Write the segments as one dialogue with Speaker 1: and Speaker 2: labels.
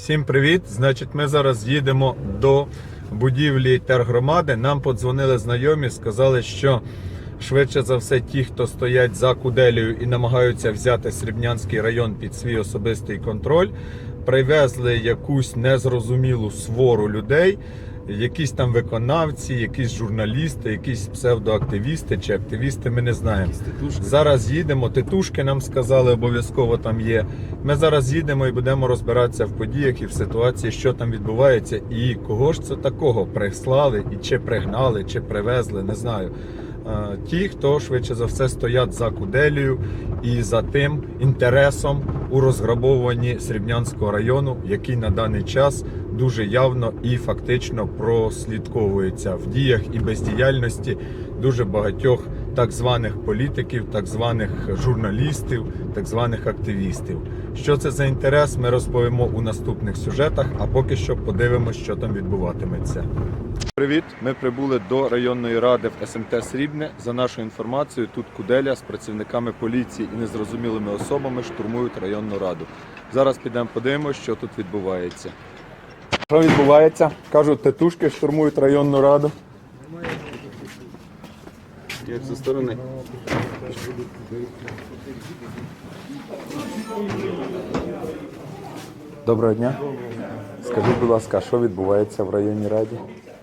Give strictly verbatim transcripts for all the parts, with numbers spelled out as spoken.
Speaker 1: Всім привіт! Значить, ми зараз їдемо до будівлі тергромади. Нам подзвонили знайомі, сказали, що швидше за все ті, хто стоять за Куделею і намагаються взяти Срібнянський район під свій особистий контроль, привезли якусь незрозумілу свору людей, якісь там виконавці, якісь журналісти, якісь псевдоактивісти чи активісти, ми не знаємо. Зараз їдемо, титушки нам сказали, обов'язково там є. Ми зараз їдемо і будемо розбиратися в подіях і в ситуації, що там відбувається і кого ж це такого прислали, і чи пригнали, чи привезли, не знаю. Ті, хто швидше за все стоять за Куделею і за тим інтересом у розграбовуванні Срібнянського району, який на даний час дуже явно і фактично прослідковується в діях і бездіяльності дуже багатьох так званих політиків, так званих журналістів, так званих активістів. Що це за інтерес, ми розповімо у наступних сюжетах, а поки що подивимося, що там відбуватиметься. Привіт! Ми прибули до районної ради в ес ем те Срібне. За нашою інформацією, тут Куделя з працівниками поліції і незрозумілими особами штурмують районну раду. Зараз підемо подивимося, що тут відбувається. Що відбувається? Кажуть, тетушки штурмують районну раду.
Speaker 2: Як зі сторони.
Speaker 1: Доброго дня. Скажіть, будь ласка, що відбувається в районній раді?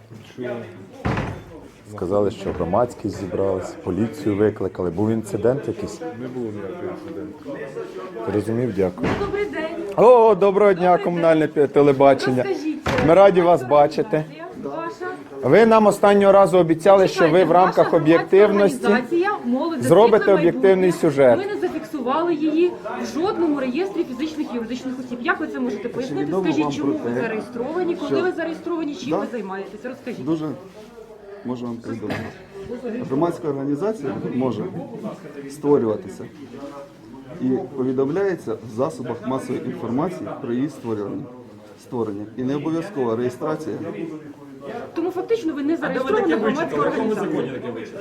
Speaker 1: Сказали, що громадськість зібралась, поліцію викликали. Був інцидент якийсь?
Speaker 2: Не було ніякого інциденту.
Speaker 1: Розумів, дякую.
Speaker 3: Добрий день.
Speaker 1: О, доброго дня, комунальне телебачення.
Speaker 3: Розкажіть.
Speaker 1: Ми раді вас бачити.
Speaker 3: Ваша
Speaker 1: Ви нам останнього разу обіцяли, що ви в рамках об'єктивності зробите об'єктивний сюжет.
Speaker 3: Ви не зафіксували її в жодному реєстрі фізичних і юридичних осіб. Як ви це можете пояснити?
Speaker 2: відомо
Speaker 3: Скажіть,
Speaker 2: вам
Speaker 3: чому
Speaker 2: про
Speaker 3: ви
Speaker 2: те,
Speaker 3: зареєстровані, коли
Speaker 2: що-
Speaker 3: ви зареєстровані, чим
Speaker 2: Да.
Speaker 3: ви займаєтеся? Розкажіть.
Speaker 2: Дуже можу вам повідомити. Громадська організація може створюватися і повідомляється в засобах масової інформації про її створення. створення. І не обов'язкова реєстрація.
Speaker 3: Тому фактично ви не зареєстрована громадська організація.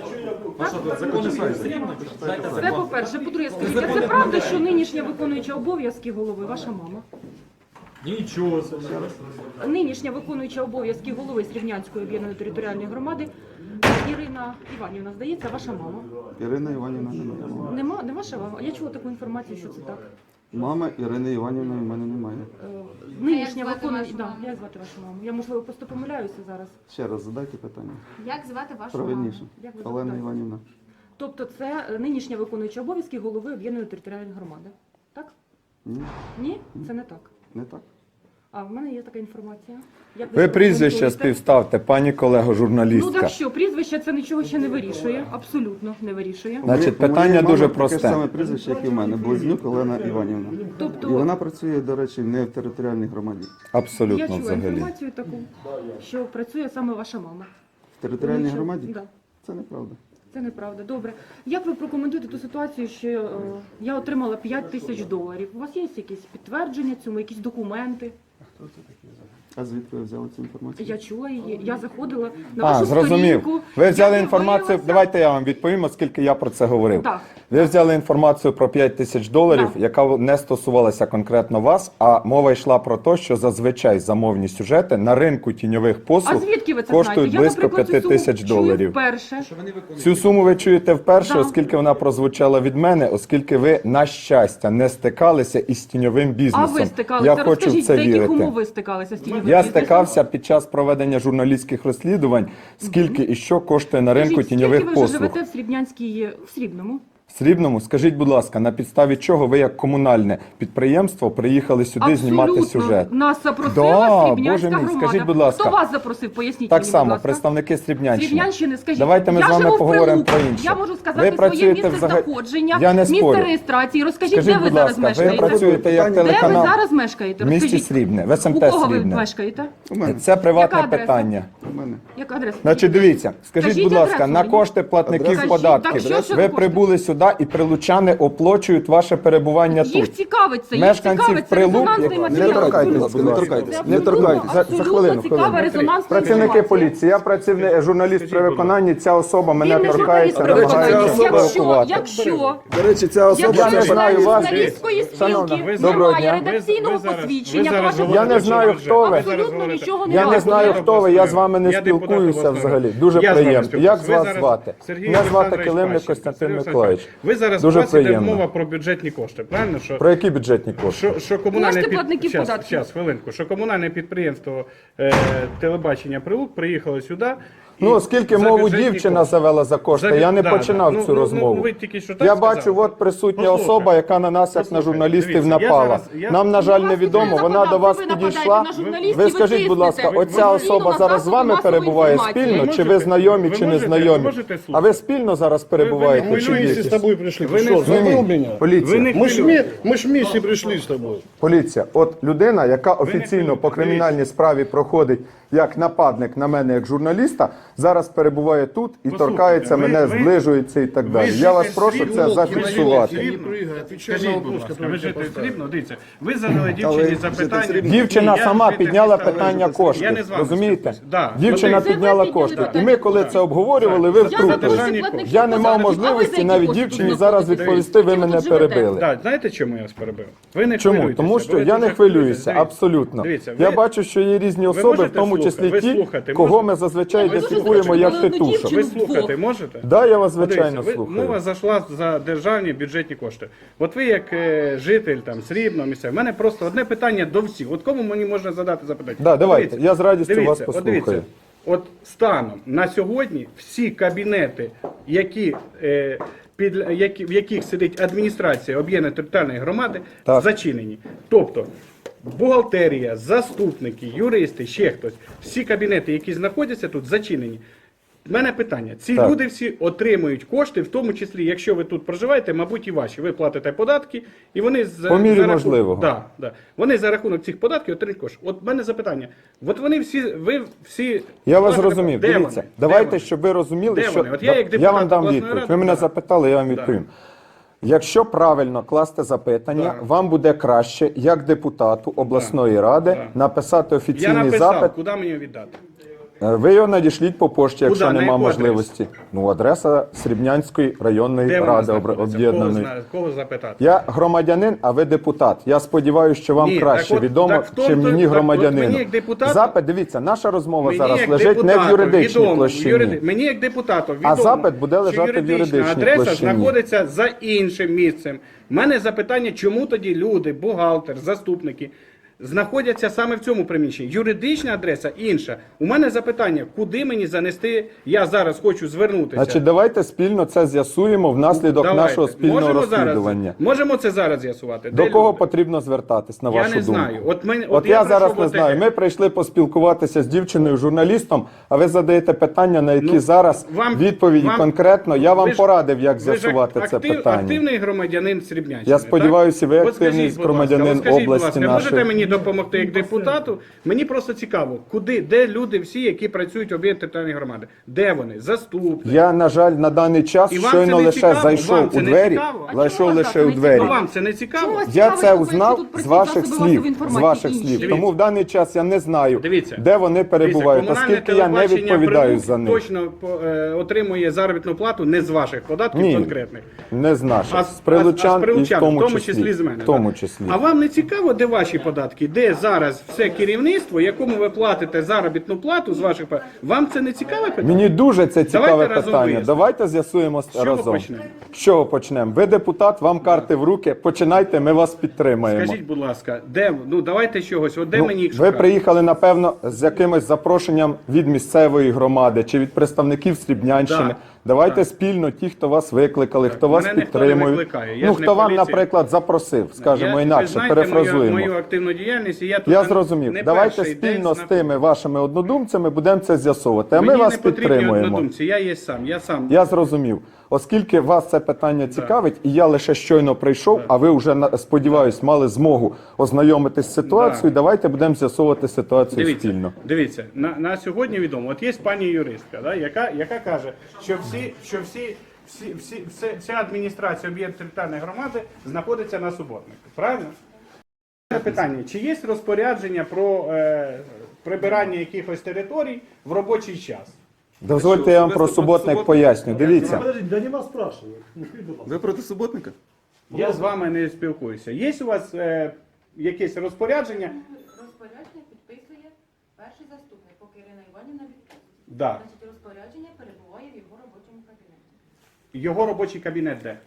Speaker 3: Це по-перше. По-друге, скажіть, а це правда, що нинішня виконуюча обов'язки голови ваша мама?
Speaker 4: Нічого собі.
Speaker 3: Нинішня виконуюча обов'язки голови Срібнянської об'єднаної територіальної громади Ірина Іванівна, здається, ваша мама.
Speaker 2: Ірина Іванівна не моя мама.
Speaker 3: Нема, не ваша мама? Я чула таку інформацію, що це так.
Speaker 2: Мама Ірини Іванівної в мене немає.
Speaker 3: Е, Нинішня виконуюча... Да, як звати вашу маму? Я, можливо, просто помиляюся зараз.
Speaker 2: Ще раз задайте питання.
Speaker 5: Як звати вашу маму?
Speaker 2: Правильніше.
Speaker 3: Як ви
Speaker 2: Олена
Speaker 3: запитаєте?
Speaker 2: Іванівна.
Speaker 3: Тобто це е, нинішня виконуюча обов'язки голови об'єднаної територіальної громади. Так?
Speaker 2: Ні,
Speaker 3: Ні? Це не так.
Speaker 2: не так.
Speaker 3: А в мене є така інформація. Як
Speaker 1: Ви
Speaker 3: це
Speaker 1: прізвище
Speaker 3: прокоментуєте?
Speaker 1: співставте, пані колего,
Speaker 3: Ну
Speaker 1: журналістка.
Speaker 3: так що, прізвище це нічого ще не вирішує. Абсолютно не вирішує.
Speaker 1: Значить,
Speaker 2: У моєї
Speaker 1: питання
Speaker 2: мами
Speaker 1: дуже
Speaker 2: таке ж
Speaker 1: просте.
Speaker 2: саме прізвище, як і в мене. Близнюк Олена Іванівна. І
Speaker 3: Тобто,
Speaker 2: вона працює, до речі, не в територіальній громаді.
Speaker 3: я
Speaker 1: Абсолютно
Speaker 3: чула
Speaker 1: взагалі.
Speaker 3: інформацію таку, що працює саме ваша мама.
Speaker 2: В територіальній
Speaker 3: Ну, що?
Speaker 2: громаді?
Speaker 3: Да.
Speaker 2: Це неправда.
Speaker 3: Це неправда. Добре. Як ви прокоментуєте ту ситуацію, що е, я отримала п'ять тисяч доларів? У вас є якісь підтвердження цьому, якісь документи?
Speaker 2: А звідки ви взяли цю інформацію?
Speaker 3: Я чула її. Я заходила на
Speaker 1: А,
Speaker 3: вашу
Speaker 1: зрозумів.
Speaker 3: сторінку.
Speaker 1: Ви взяли
Speaker 3: я
Speaker 1: інформацію,
Speaker 3: дивилася.
Speaker 1: давайте я вам відповім, оскільки я про це говорив.
Speaker 3: Так.
Speaker 1: Ви взяли інформацію про п'ять тисяч доларів,
Speaker 3: Так.
Speaker 1: яка не стосувалася конкретно вас, а мова йшла про те, що зазвичай замовні сюжети на ринку тіньових
Speaker 3: А
Speaker 1: послуг
Speaker 3: звідки ви це
Speaker 1: коштують
Speaker 3: знаєте?
Speaker 1: близько
Speaker 3: я, наприклад,
Speaker 1: п'ять
Speaker 3: цю
Speaker 1: тисяч
Speaker 3: суму чую
Speaker 1: доларів.
Speaker 3: вперше.
Speaker 1: Цю суму ви чуєте вперше,
Speaker 3: Да.
Speaker 1: оскільки вона прозвучала від мене, оскільки ви, на щастя, не стикалися із тіньовим
Speaker 3: А
Speaker 1: бізнесом.
Speaker 3: ви стикалися?
Speaker 1: Я хочу в
Speaker 3: Розкажіть,
Speaker 1: це
Speaker 3: за яких
Speaker 1: вірити.
Speaker 3: умов ви стикалися з тіньовим
Speaker 1: Я
Speaker 3: бізнесом?
Speaker 1: стикався під час проведення журналістських розслідувань, скільки і що коштує на ринку
Speaker 3: Скажіть,
Speaker 1: тіньових
Speaker 3: скільки ви вже
Speaker 1: послуг.
Speaker 3: живете в Срібнянській, в Срібному?
Speaker 1: В Срібному, скажіть, будь ласка, на підставі чого ви як комунальне підприємство приїхали сюди знімати сюжет?
Speaker 3: Нас запросила
Speaker 1: Да,
Speaker 3: Срібнянська
Speaker 1: Боже мій,
Speaker 3: громада.
Speaker 1: скажіть, будь ласка.
Speaker 3: Хто вас запросив? Поясніть
Speaker 1: Так
Speaker 3: мені, будь
Speaker 1: само,
Speaker 3: ласка.
Speaker 1: представники Срібнянщини.
Speaker 3: Срібнянщини, скажіть.
Speaker 1: Давайте ми
Speaker 3: я
Speaker 1: з вами
Speaker 3: живу в
Speaker 1: поговоримо
Speaker 3: Прилуку.
Speaker 1: про інше.
Speaker 3: Я можу сказати
Speaker 1: Ви
Speaker 3: своє
Speaker 1: працюєте
Speaker 3: місце
Speaker 1: взагалі-
Speaker 3: знаходження,
Speaker 1: Я не
Speaker 3: місце
Speaker 1: спорю.
Speaker 3: реєстрації. Розкажіть,
Speaker 1: Скажіть,
Speaker 3: де ви
Speaker 1: будь
Speaker 3: зараз
Speaker 1: ласка, ви
Speaker 3: мешкаєте?
Speaker 1: працюєте як
Speaker 2: Де ви
Speaker 3: Де ви
Speaker 1: телеканал
Speaker 3: зараз мешкаєте?
Speaker 1: в місті
Speaker 3: Розкажіть.
Speaker 1: Срібне, в ес ем те
Speaker 3: У кого ви
Speaker 1: Срібне.
Speaker 3: мешкаєте?
Speaker 2: У мене.
Speaker 1: Це приватне
Speaker 3: Яка адреса?
Speaker 1: питання.
Speaker 2: У мене.
Speaker 3: Яка адреса?
Speaker 1: Значить, дивіться, скажіть,
Speaker 3: Скажіть
Speaker 1: будь ласка,
Speaker 3: адресу
Speaker 1: на
Speaker 3: мені.
Speaker 1: кошти платників
Speaker 2: Скажіть,
Speaker 1: податків
Speaker 3: так що ж
Speaker 1: ви
Speaker 3: ви
Speaker 1: прибули сюди і прилучани оплачують ваше перебування
Speaker 3: Їх
Speaker 1: тут.
Speaker 3: цікавить це, їх
Speaker 1: Мешканців
Speaker 3: цікавить це
Speaker 1: Прилук,
Speaker 3: резонансний
Speaker 1: як-
Speaker 3: матеріал.
Speaker 1: не торкайтесь,
Speaker 2: будь ласка, не торкайтесь,
Speaker 3: Це
Speaker 2: не
Speaker 3: абсолютно-
Speaker 2: торкайтесь.
Speaker 1: За- за
Speaker 3: абсолютно
Speaker 1: хвилину,
Speaker 3: цікава
Speaker 1: хвилину.
Speaker 3: резонансна
Speaker 1: Працівники
Speaker 3: інформація.
Speaker 1: поліції, я працівник, журналіст при виконанні, ця особа мене
Speaker 3: Він не
Speaker 1: торкається,
Speaker 3: журналіст при
Speaker 1: намагається
Speaker 3: виконанні. Якщо,
Speaker 1: спровокувати.
Speaker 3: якщо,
Speaker 2: До речі, ця особа
Speaker 3: якщо
Speaker 1: Я не
Speaker 2: це
Speaker 1: знаю вас.
Speaker 3: журналістської
Speaker 1: Шановна,
Speaker 3: спілки
Speaker 1: ви- доброго
Speaker 3: немає
Speaker 1: дня.
Speaker 3: редакційного
Speaker 4: Ви- ви зараз-
Speaker 3: посвідчення,
Speaker 4: ви зараз
Speaker 3: то ваша
Speaker 1: Я не
Speaker 4: говорите,
Speaker 1: знаю,
Speaker 4: що
Speaker 1: хто ви.
Speaker 3: абсолютно нічого не
Speaker 1: Я не
Speaker 3: варто.
Speaker 1: знаю, хто ви, я з вами не
Speaker 4: Я депутат
Speaker 1: спілкуюся
Speaker 4: обласної
Speaker 1: взагалі.
Speaker 4: ради.
Speaker 1: Дуже
Speaker 4: Я з вами
Speaker 1: приємно.
Speaker 4: спілкуюся.
Speaker 1: Як
Speaker 4: Ви
Speaker 1: вас
Speaker 4: зараз-
Speaker 1: звати?
Speaker 4: Сергій
Speaker 1: Мене звати
Speaker 4: Олександрович
Speaker 1: Килимник
Speaker 4: Пащенко.
Speaker 1: Костянтин
Speaker 4: Сергій
Speaker 1: Миколаївич.
Speaker 4: Ви зараз
Speaker 1: Дуже
Speaker 4: у вас іде
Speaker 1: приємно.
Speaker 4: мова про бюджетні кошти, правильно? Що,
Speaker 1: Про які бюджетні кошти?
Speaker 4: що, що комунальне
Speaker 3: Кошти платників
Speaker 4: щас,
Speaker 3: податків.
Speaker 4: щас, хвилинку, що комунальне підприємство е, телебачення Прилук приїхало сюди. і
Speaker 1: Ну, оскільки
Speaker 4: за
Speaker 1: мову
Speaker 4: бюджетні
Speaker 1: дівчина
Speaker 4: кошти.
Speaker 1: завела за кошти,
Speaker 4: За бю-
Speaker 1: я не
Speaker 4: да,
Speaker 1: починав
Speaker 4: да.
Speaker 1: цю
Speaker 4: Ну, ну,
Speaker 1: розмову.
Speaker 4: ну, ви тільки що так
Speaker 1: Я
Speaker 4: сказали.
Speaker 1: бачу, от присутня
Speaker 4: Послухайте.
Speaker 1: особа, яка на нас, як на
Speaker 4: Послухайте,
Speaker 1: журналістів,
Speaker 4: дивіться, я
Speaker 1: напала.
Speaker 4: зараз- я-
Speaker 1: Нам, на жаль,
Speaker 3: Ну,
Speaker 1: невідомо,
Speaker 3: вас
Speaker 1: вона
Speaker 3: ніхто
Speaker 1: до вас
Speaker 3: не нападає,
Speaker 1: підійшла.
Speaker 3: на журналістів
Speaker 1: Ви
Speaker 3: ви
Speaker 1: скажіть, будь ласка,
Speaker 3: тиснете.
Speaker 1: оця
Speaker 3: Ви
Speaker 1: особа
Speaker 3: постійно
Speaker 1: зараз з
Speaker 3: на
Speaker 1: вами
Speaker 3: засоби
Speaker 1: перебуває
Speaker 3: масової
Speaker 1: спільно,
Speaker 4: інформації.
Speaker 1: чи ви
Speaker 4: Ви
Speaker 1: знайомі,
Speaker 4: можете-
Speaker 1: чи не
Speaker 4: ви можете-
Speaker 1: знайомі?
Speaker 4: ви можете слухати.
Speaker 1: А ви спільно зараз перебуваєте,
Speaker 4: ви
Speaker 1: чи
Speaker 4: не
Speaker 1: є
Speaker 5: вместе с
Speaker 1: якісь?
Speaker 5: тобой пришли.
Speaker 4: Вы
Speaker 5: Ты
Speaker 4: не-
Speaker 5: что, забыл
Speaker 1: Ні,
Speaker 5: меня?
Speaker 1: поліція.
Speaker 4: Ви не
Speaker 5: Мы ж, вме- мы ж вместе пришли с тобой.
Speaker 1: Поліція, от людина, яка офіційно
Speaker 4: хвилюйтесь,
Speaker 1: по кримінальній справі проходить як нападник на мене, як журналіста, зараз перебуває тут і
Speaker 4: Послухайте,
Speaker 1: торкається
Speaker 4: ви-
Speaker 1: мене,
Speaker 4: ви-
Speaker 1: зближується і так далі.
Speaker 4: ви
Speaker 1: Я вас
Speaker 4: житель
Speaker 1: прошу це
Speaker 4: Срібного,
Speaker 1: зафіксувати.
Speaker 5: Не прыгай, отвечай на
Speaker 4: Скажіть, будь
Speaker 5: вопрос,
Speaker 4: ласка,
Speaker 5: который
Speaker 4: ви
Speaker 5: я тебе
Speaker 4: житель
Speaker 5: поставил.
Speaker 4: Срібного, дивіться, ви задали дівчині
Speaker 2: Але
Speaker 4: запитання.
Speaker 2: житель
Speaker 1: Дівчина
Speaker 4: Ні, я
Speaker 1: сама
Speaker 4: житель
Speaker 1: підняла
Speaker 4: міста
Speaker 1: питання
Speaker 4: Лежу. Я
Speaker 1: коштів,
Speaker 4: не з вами
Speaker 1: розумієте?
Speaker 4: спілкуюсь. Да.
Speaker 1: Дівчина
Speaker 3: Це ви
Speaker 1: підняла
Speaker 3: підняли
Speaker 1: кошти. І
Speaker 3: питання.
Speaker 1: ми, коли це обговорювали, ви
Speaker 3: Я
Speaker 4: Чому?
Speaker 3: за
Speaker 1: втрутились.
Speaker 3: гроші платників
Speaker 1: Я не мав
Speaker 3: податків, а ви за
Speaker 1: можливості
Speaker 3: які
Speaker 1: навіть
Speaker 3: кошти
Speaker 1: дівчині
Speaker 3: тут
Speaker 1: зараз
Speaker 3: знаходитесь?
Speaker 1: відповісти, ви
Speaker 3: Чим
Speaker 1: мене
Speaker 3: тут живете?
Speaker 1: перебили.
Speaker 4: Да, знаєте, чому я вас перебив? Ви не
Speaker 1: Чому?
Speaker 4: хвилюйтеся,
Speaker 1: Тому
Speaker 4: бо
Speaker 1: що
Speaker 4: ви
Speaker 1: я
Speaker 4: дуже
Speaker 1: не хвилююся,
Speaker 4: Дивіться,
Speaker 1: абсолютно.
Speaker 4: дивіться,
Speaker 1: Я
Speaker 4: ви-
Speaker 1: бачу, що є різні
Speaker 4: ви
Speaker 1: особи, в
Speaker 4: можете
Speaker 1: тому
Speaker 4: слухати?
Speaker 1: числі
Speaker 4: Ви
Speaker 1: ті,
Speaker 4: слухати
Speaker 1: кого
Speaker 4: можете?
Speaker 1: ми зазвичай
Speaker 3: Ви можете
Speaker 1: ідентифікуємо як
Speaker 3: слухати? Ну,
Speaker 1: титушок.
Speaker 4: Ви
Speaker 3: Дівчину
Speaker 4: слухати
Speaker 3: вдвох.
Speaker 4: можете?
Speaker 1: Да, я вас
Speaker 4: Ну, дивіться,
Speaker 1: звичайно
Speaker 4: ви-
Speaker 1: слухаю.
Speaker 4: Мова зайшла за державні бюджетні кошти. От ви як е, житель там Срібного місця, в мене просто одне питання до всіх. От кому мені можна задати запитання?
Speaker 1: Да, давайте,
Speaker 4: Дивіться,
Speaker 1: я з радістю
Speaker 4: дивіться,
Speaker 1: вас
Speaker 4: от
Speaker 1: послухаю.
Speaker 4: дивіться, От станом на сьогодні всі кабінети, які, е, під, які, в яких сидить адміністрація об'єднаної територіальної громади,
Speaker 1: Так.
Speaker 4: зачинені. Тобто бухгалтерія, заступники, юристи, ще хтось, всі кабінети, які знаходяться тут, зачинені. У мене питання: ці
Speaker 1: Так.
Speaker 4: люди всі отримують кошти, в тому числі, якщо ви тут проживаєте, мабуть, і ваші. Ви платите податки, і вони за,
Speaker 1: По мірі
Speaker 4: за рахунок,
Speaker 1: можливого.
Speaker 4: да, да, вони за рахунок цих податків отримують кошти. От в мене запитання: от вони всі, ви всі
Speaker 1: Я вас
Speaker 4: Де
Speaker 1: зрозумів.
Speaker 4: вони?
Speaker 1: Дивіться,
Speaker 4: Де
Speaker 1: давайте,
Speaker 4: вони?
Speaker 1: щоб ви розуміли,
Speaker 4: Де
Speaker 1: що
Speaker 4: вони? От я як
Speaker 1: я
Speaker 4: депутат
Speaker 1: вам дам
Speaker 4: обласної
Speaker 1: відповідь.
Speaker 4: ради,
Speaker 1: Ви мене
Speaker 4: да.
Speaker 1: запитали, я вам
Speaker 4: Да.
Speaker 1: відповім. Якщо правильно класти запитання,
Speaker 4: Да.
Speaker 1: вам буде краще, як депутату обласної ради,
Speaker 4: Да.
Speaker 1: написати
Speaker 4: Я
Speaker 1: офіційний
Speaker 4: написав,
Speaker 1: запит.
Speaker 4: куди мені віддати.
Speaker 1: Е, Ви його надішліть по пошті, якщо
Speaker 4: Куди? На
Speaker 1: нема
Speaker 4: яку
Speaker 1: можливості. Ну, адреса Срібнянської районної
Speaker 4: Де вона
Speaker 1: ради
Speaker 4: знаходиться?
Speaker 1: об'єднаної.
Speaker 4: Кого, зна- кого запитати?
Speaker 1: Я громадянин, а ви депутат. Я сподіваюся, що вам
Speaker 4: Ні,
Speaker 1: краще
Speaker 4: так от-
Speaker 1: відомо,
Speaker 4: так в тому
Speaker 1: чим
Speaker 4: то-
Speaker 1: мені
Speaker 4: так от
Speaker 1: громадянину.
Speaker 4: мені як депутату-
Speaker 1: Запит, дивіться, наша розмова
Speaker 4: Мені
Speaker 1: зараз
Speaker 4: як
Speaker 1: лежить не в
Speaker 4: депутату
Speaker 1: юридичній
Speaker 4: відомо,
Speaker 1: площині.
Speaker 4: юриди- Мені як депутату відомо,
Speaker 1: запит буде лежати
Speaker 4: що
Speaker 1: в
Speaker 4: юридична
Speaker 1: юридичній
Speaker 4: адреса
Speaker 1: площині.
Speaker 4: знаходиться за іншим місцем. У мене запитання, чому тоді люди, бухгалтер, заступники знаходяться саме в цьому приміщенні. Юридична адреса інша. У мене запитання, куди мені занести, я зараз хочу звернутися.
Speaker 1: Значить, давайте спільно це з'ясуємо внаслідок
Speaker 4: Давайте.
Speaker 1: нашого спільного
Speaker 4: Можемо
Speaker 1: розслідування.
Speaker 4: Зараз, можемо це зараз з'ясувати.
Speaker 1: До
Speaker 4: Де
Speaker 1: кого
Speaker 4: люди?
Speaker 1: потрібно звертатись, на
Speaker 4: Я
Speaker 1: вашу
Speaker 4: не
Speaker 1: думку?
Speaker 4: знаю. От мен-
Speaker 1: От,
Speaker 4: от
Speaker 1: я,
Speaker 4: я
Speaker 1: зараз
Speaker 4: пройшов
Speaker 1: не
Speaker 4: от
Speaker 1: знаю.
Speaker 4: таке.
Speaker 1: Ми прийшли поспілкуватися з дівчиною, журналістом, а ви задаєте питання, на які
Speaker 4: Ну,
Speaker 1: зараз
Speaker 4: вам-
Speaker 1: відповіді
Speaker 4: вам-
Speaker 1: конкретно. Я вам
Speaker 4: Ви ж-
Speaker 1: порадив, як
Speaker 4: ви ж
Speaker 1: з'ясувати це
Speaker 4: актив-
Speaker 1: питання.
Speaker 4: Активний громадянин Срібнянщини.
Speaker 1: Я сподіваюся, ви
Speaker 4: так? От
Speaker 1: активний
Speaker 4: скажіть, будь ласка,
Speaker 1: громадянин
Speaker 4: от скажіть, будь
Speaker 1: області
Speaker 4: ласка,
Speaker 1: нашої.
Speaker 4: Можете мені допомогти як депутату? Мені просто цікаво, куди, де люди всі, які працюють в об'єднаній територіальній громади? Де вони? Заступники?
Speaker 1: Я, на жаль, на даний час
Speaker 4: І вам
Speaker 1: щойно
Speaker 4: це не
Speaker 1: лише
Speaker 4: цікаво?
Speaker 1: зайшов
Speaker 4: Вам це
Speaker 1: у
Speaker 4: не
Speaker 1: двері,
Speaker 4: цікаво? А
Speaker 1: зайшов
Speaker 3: чому
Speaker 1: лише
Speaker 3: так
Speaker 1: у
Speaker 3: не
Speaker 1: двері.
Speaker 3: цікаво?
Speaker 4: Ну вам це не цікаво?
Speaker 3: Чому вас
Speaker 1: Я
Speaker 3: цікавить,
Speaker 1: це
Speaker 3: що
Speaker 1: узнав
Speaker 3: тут
Speaker 1: з
Speaker 3: працюють
Speaker 1: ваших
Speaker 3: засоби
Speaker 1: слів,
Speaker 3: масової
Speaker 1: з
Speaker 3: інформації
Speaker 1: ваших
Speaker 3: інші?
Speaker 1: слів.
Speaker 4: Дивіться.
Speaker 1: Тому в даний час я не знаю,
Speaker 4: Дивіться.
Speaker 1: де вони перебувають,
Speaker 4: Дивіться,
Speaker 1: оскільки я не
Speaker 4: комунальне
Speaker 1: відповідаю
Speaker 4: телебачення
Speaker 1: за них.
Speaker 4: точно по- е, отримує заробітну плату не з ваших податків
Speaker 1: Ні.
Speaker 4: конкретних.
Speaker 1: Не з наших,
Speaker 4: А,
Speaker 1: з
Speaker 4: з-
Speaker 1: прилучан,
Speaker 4: а з прилучан,
Speaker 1: і в тому,
Speaker 4: числі з мене.
Speaker 1: В тому
Speaker 4: да.
Speaker 1: числі.
Speaker 4: А вам не цікаво, де ваші податки? Де зараз все керівництво, якому ви платите заробітну плату з ваших податків? Вам це не цікаве питання?
Speaker 1: Мені дуже це цікаве
Speaker 4: Давайте разом
Speaker 1: питання.
Speaker 4: вияснимо.
Speaker 1: Давайте з'ясуємо
Speaker 4: чого
Speaker 1: разом.
Speaker 4: почнемо?
Speaker 1: З чого почнемо? Ви депутат, вам карти в руки. Починайте, ми вас підтримаємо.
Speaker 4: Скажіть, будь ласка, де ну давайте чогось, от де
Speaker 1: Ну,
Speaker 4: мені їх
Speaker 1: ви
Speaker 4: шукати?
Speaker 1: приїхали, напевно, з якимось запрошенням від місцевої громади чи від представників Срібнянщини.
Speaker 4: Да.
Speaker 1: Давайте
Speaker 4: Так.
Speaker 1: спільно, ті, хто вас викликали, хто вас
Speaker 4: Мене ніхто не
Speaker 1: підтримує.
Speaker 4: викликає, я
Speaker 1: Ну,
Speaker 4: ж не
Speaker 1: хто вам,
Speaker 4: поліція.
Speaker 1: наприклад, запросив, скажімо
Speaker 4: Я- ви
Speaker 1: інакше,
Speaker 4: знаєте
Speaker 1: перефразуємо.
Speaker 4: Мою, мою активну діяльність, і я тут
Speaker 1: Я
Speaker 4: не
Speaker 1: зрозумів.
Speaker 4: не
Speaker 1: Давайте
Speaker 4: перший день
Speaker 1: спільно з
Speaker 4: знаходжусь.
Speaker 1: тими вашими однодумцями будемо це з'ясовувати. А ми
Speaker 4: Мені
Speaker 1: вас
Speaker 4: не потрібні
Speaker 1: підтримуємо.
Speaker 4: однодумці, я є сам. Я сам.
Speaker 1: Я зрозумів. Оскільки вас це питання цікавить, і я лише щойно прийшов, а ви вже, на- сподіваюсь, мали змогу ознайомитись з ситуацією, давайте будемо з'ясовувати ситуацію
Speaker 4: Дивіться,
Speaker 1: спільно.
Speaker 4: дивіться, на, на сьогодні відомо. От є пані юристка, да, яка, яка каже, що всі, що всі, всі, всі, все- вся адміністрація об'єктів територіальної громади знаходиться на суботнику. Правильно? Питання: чи є розпорядження про е, прибирання якихось територій в робочий час?
Speaker 1: Дозвольте, я вам про суботник поясню. Дивіться.
Speaker 5: Подождите, да не вас спрашивают. Ну, скажіть, будь ласка.
Speaker 2: Ви проти суботника?
Speaker 4: Я з вами не спілкуюся. Є у вас е, якесь розпорядження?
Speaker 6: Розпорядження підписує перший заступник, поки Ірина Іванівна відпустить.
Speaker 4: Да.
Speaker 6: Значить, розпорядження перебуває в його робочому кабінеті.
Speaker 4: Його робочий кабінет де?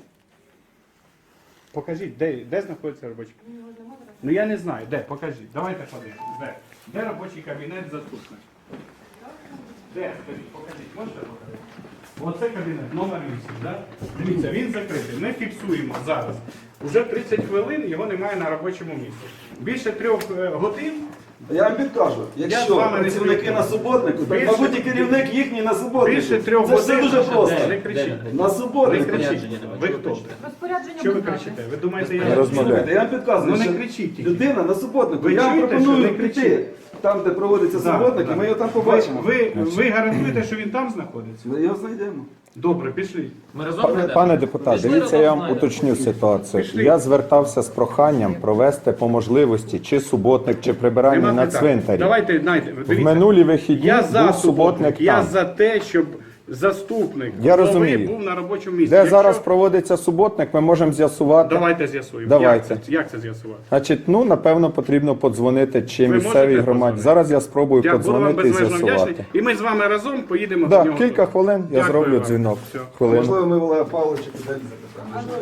Speaker 4: Покажіть, де, де знаходиться робочий кабінет?
Speaker 6: Ну, його ж нема зараз.
Speaker 4: Ну я не знаю, де, покажіть. Давайте подивимось. Де? Де робочий кабінет заступника? Де? Скажіть, покажіть, можете показати? Оце кабінет, номер вісім, да? Дивіться, він закритий. Ми фіксуємо зараз. Уже тридцять хвилин його немає на робочому місці. Більше трьох е, годин.
Speaker 2: Я вам підкажу,
Speaker 4: Я з
Speaker 2: якщо
Speaker 4: вами не
Speaker 2: працівники на
Speaker 4: спілкуюся.
Speaker 2: суботнику, то,
Speaker 4: Більше-
Speaker 2: мабуть, і керівник їхній на суботнику.
Speaker 4: Більше трьох
Speaker 2: Це все
Speaker 4: годин.
Speaker 2: дуже просто.
Speaker 4: Не кричіть.
Speaker 2: На
Speaker 4: Не
Speaker 2: суботнику.
Speaker 4: кричіть. Ви хто?
Speaker 3: Розпорядження
Speaker 4: Що ви
Speaker 3: будь ласка.
Speaker 4: кричите? Ви думаєте,
Speaker 1: Я
Speaker 4: я
Speaker 1: розмовляю.
Speaker 2: Слухайте, я вам підказую,
Speaker 4: Ну, не
Speaker 2: що
Speaker 4: кричіть тільки.
Speaker 2: людина на суботнику.
Speaker 4: Ви
Speaker 2: Я вам
Speaker 4: чуєте,
Speaker 2: пропоную
Speaker 4: що не
Speaker 2: піти
Speaker 4: кричіть?
Speaker 2: там, де проводиться
Speaker 4: Да,
Speaker 2: суботник,
Speaker 4: да.
Speaker 2: і ми його там побачимо.
Speaker 4: Ви, ви гарантуєте, що він там знаходиться?
Speaker 2: Ми його знайдемо.
Speaker 4: Добре, пішли.
Speaker 7: Ми разом
Speaker 1: Пане,
Speaker 7: знайдемо?
Speaker 1: пане депутат,
Speaker 7: Пішли
Speaker 1: дивіться,
Speaker 7: разом
Speaker 1: я вам
Speaker 7: знайдемо.
Speaker 1: уточню ситуацію.
Speaker 4: Пішли.
Speaker 1: Я звертався з проханням провести по можливості чи суботник, чи прибирання
Speaker 4: Нема
Speaker 1: на
Speaker 4: питань.
Speaker 1: цвинтарі.
Speaker 4: Давайте, знаєте,
Speaker 1: В
Speaker 4: дивіться.
Speaker 1: минулі вихідні
Speaker 4: Я за
Speaker 1: був суботник
Speaker 4: суботник, я
Speaker 1: там.
Speaker 4: за те, щоб заступник
Speaker 1: Я
Speaker 4: голови
Speaker 1: розумію.
Speaker 4: був на робочому місці.
Speaker 1: Де
Speaker 4: Якщо-
Speaker 1: зараз проводиться суботник, ми можемо з'ясувати.
Speaker 4: Давайте з'ясуємо.
Speaker 1: Давайте.
Speaker 4: Як це, як це з'ясувати?
Speaker 1: Значить, ну напевно потрібно подзвонити чи
Speaker 4: Ви
Speaker 1: місцевій
Speaker 4: можете
Speaker 1: громаді.
Speaker 4: подзвонити?
Speaker 1: Зараз я спробую
Speaker 4: Я буду вам
Speaker 1: подзвонити і
Speaker 4: безмежно вдячний.
Speaker 1: з'ясувати.
Speaker 4: І ми з вами разом поїдемо
Speaker 1: Да,
Speaker 4: до нього.
Speaker 1: кілька хвилин я
Speaker 4: Дякую
Speaker 1: зроблю
Speaker 4: вам.
Speaker 1: дзвінок.
Speaker 4: Все.
Speaker 1: Хвилину.
Speaker 2: Можливо, ми Олега Павловича підемо запитаємо.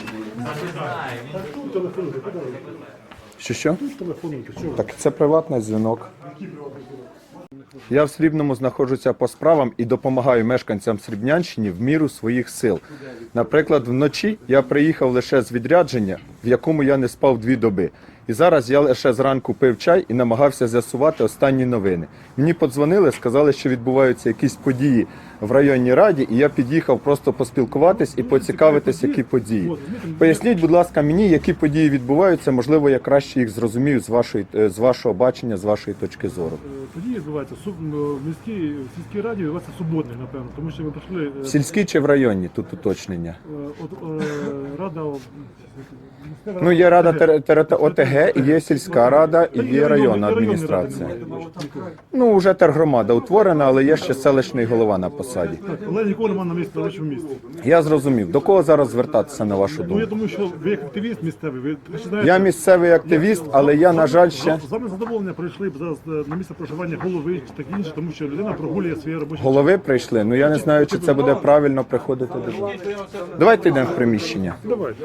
Speaker 5: Тут телефонуйте, куди ви?
Speaker 1: Що що?
Speaker 5: Тут телефонуйте, чого?
Speaker 1: Так це приватний дзвінок. Я в Срібному знаходжуся по справам і допомагаю мешканцям Срібнянщини в міру своїх сил. Наприклад, вночі я приїхав лише з відрядження, в якому я не спав дві доби. І зараз я лише зранку пив чай і намагався з'ясувати останні новини. Мені подзвонили, сказали, що відбуваються якісь події в районній раді, і я під'їхав просто поспілкуватись і поцікавитись, які події. Поясніть, будь ласка, мені, які події відбуваються, можливо, я краще їх зрозумію з вашої, е, з вашого бачення, з вашої точки зору.
Speaker 8: Е, Тоді відбувається суб- в міській в сільській раді відбувається суботник, напевно, тому що ми прийшли е,
Speaker 1: В сільській чи в районній тут уточнення?
Speaker 8: е, от, е, рада о, місцева
Speaker 1: Ну, є рада
Speaker 8: ОТГ.
Speaker 1: тер- тер- ОТГ, і є сільська рада, і
Speaker 8: Та
Speaker 1: є районна
Speaker 8: районні
Speaker 1: адміністрація.
Speaker 8: ради немає, нікого.
Speaker 1: Ну, вже тергромада утворена, але є ще селищний голова на посаді.
Speaker 8: Так, але нікого немає на місці, на робочому місці.
Speaker 1: Я зрозумів. До кого зараз звертатися, на вашу
Speaker 8: Ну, я
Speaker 1: думку?
Speaker 8: думаю, що ви як активіст місцевий, ви ще знаєте...
Speaker 1: Я місцевий активіст, але я, на жаль, ще...
Speaker 8: З вами задоволення прийшли б зараз е, на місце проживання голови чи таке інше, тому що людина прогулює своє робоче.
Speaker 1: Голови прийшли, ну я не знаю, чи це буде правильно приходити до вас. Давайте йдемо в приміщення.
Speaker 8: Давай.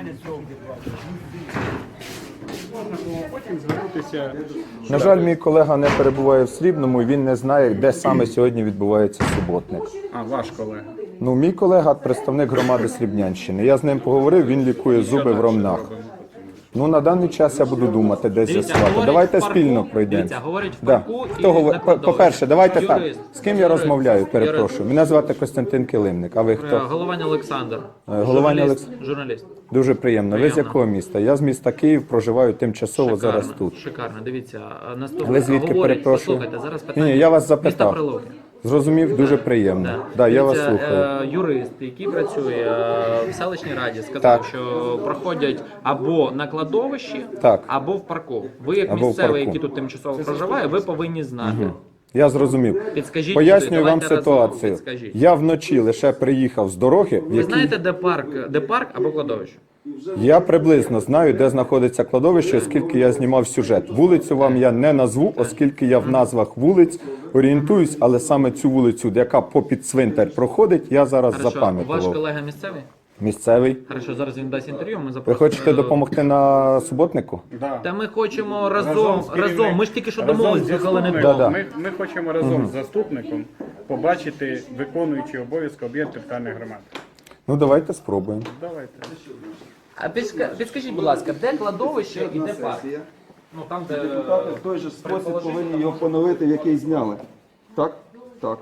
Speaker 4: Можна було потім звернутися.
Speaker 1: На жаль, мій колега не перебуває в Срібному, і він не знає, де саме сьогодні відбувається суботник.
Speaker 4: А, ваш колега.
Speaker 1: Ну, мій колега представник громади Срібнянщини. Я з ним поговорив, він лікує зуби в Ромнах. Ну, на даний час я буду думати, де
Speaker 7: Дивіться,
Speaker 1: з'ясувати.
Speaker 7: говорить
Speaker 1: Давайте
Speaker 7: в парку,
Speaker 1: спільно пройдемо.
Speaker 7: Дивіться, говорить в
Speaker 1: Да.
Speaker 7: парку і
Speaker 1: Хто говорить?
Speaker 7: на кладовищі.
Speaker 1: По-перше, давайте так.
Speaker 7: Юрист.
Speaker 1: З ким я
Speaker 7: Юрист.
Speaker 1: розмовляю?
Speaker 7: Юрист.
Speaker 1: Перепрошую. Мене звати Костянтин Килимник. А ви
Speaker 7: Е,
Speaker 1: хто?
Speaker 7: Голованя Олександр.
Speaker 1: Голованя
Speaker 7: Журналіст.
Speaker 1: Олекс-
Speaker 7: Журналіст.
Speaker 1: Дуже приємно. Ви з
Speaker 7: Приємно.
Speaker 1: якого міста? Я з міста Київ, проживаю тимчасово зараз тут.
Speaker 7: Шикарно. Дивіться, а наступне.
Speaker 1: Ви звідки,
Speaker 7: говорить,
Speaker 1: перепрошую?
Speaker 7: послухайте, зараз
Speaker 1: Ні,
Speaker 7: питання.
Speaker 1: ні, я вас
Speaker 7: Міста
Speaker 1: запитав.
Speaker 7: Прилуки.
Speaker 1: Зрозумів, дуже приємно.
Speaker 7: Да.
Speaker 1: Да, я вас
Speaker 7: Дивіться,
Speaker 1: слухаю.
Speaker 7: е, юрист, який працює е, в селищній раді, сказав,
Speaker 1: Так.
Speaker 7: що проходять або на кладовищі,
Speaker 1: Так.
Speaker 7: або в парку. Ви, як
Speaker 1: Або в
Speaker 7: місцевий,
Speaker 1: парку.
Speaker 7: який тут тимчасово проживає, ви повинні знати.
Speaker 1: Я зрозумів.
Speaker 7: Підскажіть
Speaker 1: Пояснюю
Speaker 7: куди,
Speaker 1: вам
Speaker 7: давайте разом,
Speaker 1: ситуацію.
Speaker 7: підскажіть.
Speaker 1: Я вночі лише приїхав з дороги, в
Speaker 7: Ви
Speaker 1: якій
Speaker 7: знаєте, де парк, де парк або кладовище?
Speaker 1: я приблизно знаю, де знаходиться кладовище, оскільки я знімав сюжет. Вулицю вам я не назву, оскільки я в назвах вулиць орієнтуюсь, але саме цю вулицю, яка попід цвинтар проходить, я зараз
Speaker 7: Хорошо, ваш
Speaker 1: запам'ятував.
Speaker 7: колега місцевий?
Speaker 1: Місцевий.
Speaker 7: Хорошо, зараз він дасть інтерв'ю, ми
Speaker 1: Ви
Speaker 7: запросимо.
Speaker 1: хочете допомогти на суботнику?
Speaker 4: Да.
Speaker 7: Та ми хочемо разом,
Speaker 4: Разом
Speaker 7: разом,
Speaker 4: з керівником.
Speaker 7: Ми ж тільки що
Speaker 4: Разом
Speaker 7: домовились,
Speaker 4: з
Speaker 7: слухали не
Speaker 4: заступником.
Speaker 1: Да-да.
Speaker 4: Ми, ми хочемо разом з заступником побачити виконуючий обов'язки об'єкт територіальної громади.
Speaker 1: Ну давайте спробуємо.
Speaker 4: Давайте.
Speaker 7: А підска- підскажіть, будь ласка, де кладовище і де парк? Ну там, де
Speaker 2: Депутати в той же спосіб повинні його поновити, в який зняли. Так? Так.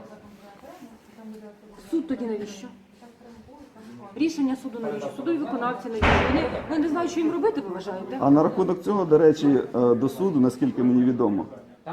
Speaker 3: Суд тоді навіщо? Рішення суду навіщо? Судові виконавці навіщо? Вони, вони не знають, що їм робити, ви вважаєте?
Speaker 2: А на рахунок цього, до речі, е, до суду, наскільки мені відомо, е,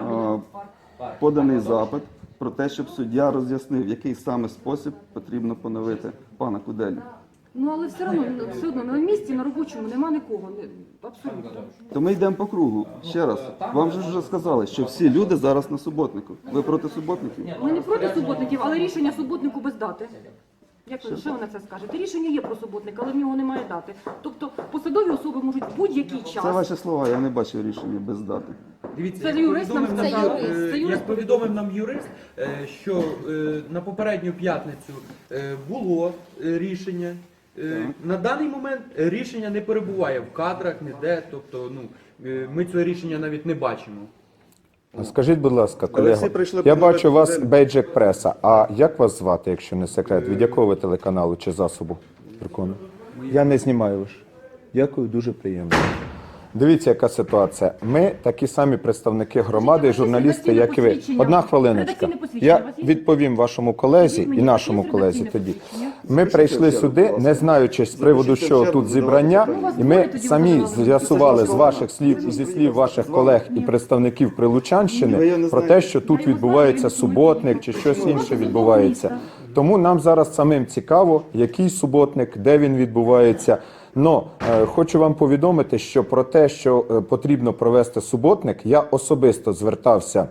Speaker 2: поданий запит про те, щоб суддя роз'яснив, в який саме спосіб потрібно поновити пана Куделю.
Speaker 3: Ну але все одно, все одно на місці, на робочому нема нікого. Не- Абсолютно.
Speaker 2: То ми йдемо по кругу. Ще раз, вам же вже сказали, що всі люди зараз на суботнику. Ви проти суботників?
Speaker 3: Ми не проти суботників, але рішення суботнику без дати. Як ви, що ви на це скажете? Рішення є про суботник, але в нього немає дати. Тобто посадові особи можуть в будь-який
Speaker 2: Це
Speaker 3: час.
Speaker 2: ваші слова, я не бачив рішення без дати.
Speaker 9: Дивіться,
Speaker 3: Це
Speaker 9: як
Speaker 3: юрист нам
Speaker 9: повідомив
Speaker 3: сказав.
Speaker 9: нам,
Speaker 3: Це
Speaker 9: е,
Speaker 3: юрист
Speaker 9: як повідомив нам юрист, е, що е, на попередню п'ятницю е, було е, рішення. Е, На даний момент рішення не перебуває в кадрах, ніде, тобто ну, е, ми цього рішення навіть не бачимо.
Speaker 1: Скажіть, будь ласка,
Speaker 2: Але
Speaker 1: колего,
Speaker 2: всі прийшли
Speaker 1: я
Speaker 2: поновити
Speaker 1: бачу у вас
Speaker 2: Куделю.
Speaker 1: бейджик преса. А як вас звати, якщо не секрет? Від якого ви телеканалу чи засобу? Прикольно. Я не знімаю ваш. Дякую, дуже приємно. Дивіться, яка ситуація. Ми такі самі представники громади і журналісти, як і ви. Одна хвилиночка.
Speaker 3: Редакційне посвідчення
Speaker 1: Я
Speaker 3: у вас є?
Speaker 1: відповім вашому колезі і нашому колезі тоді. Ми прийшли сюди, не знаючи з приводу, що тут зібрання, і ми самі з'ясували з ваших слів і зі слів ваших колег і представників Прилучанщини про те, що тут відбувається суботник чи щось інше відбувається. Тому нам зараз самим цікаво, який суботник, де він відбувається. Но е, хочу вам повідомити, що про те, що е, потрібно провести суботник, я особисто звертався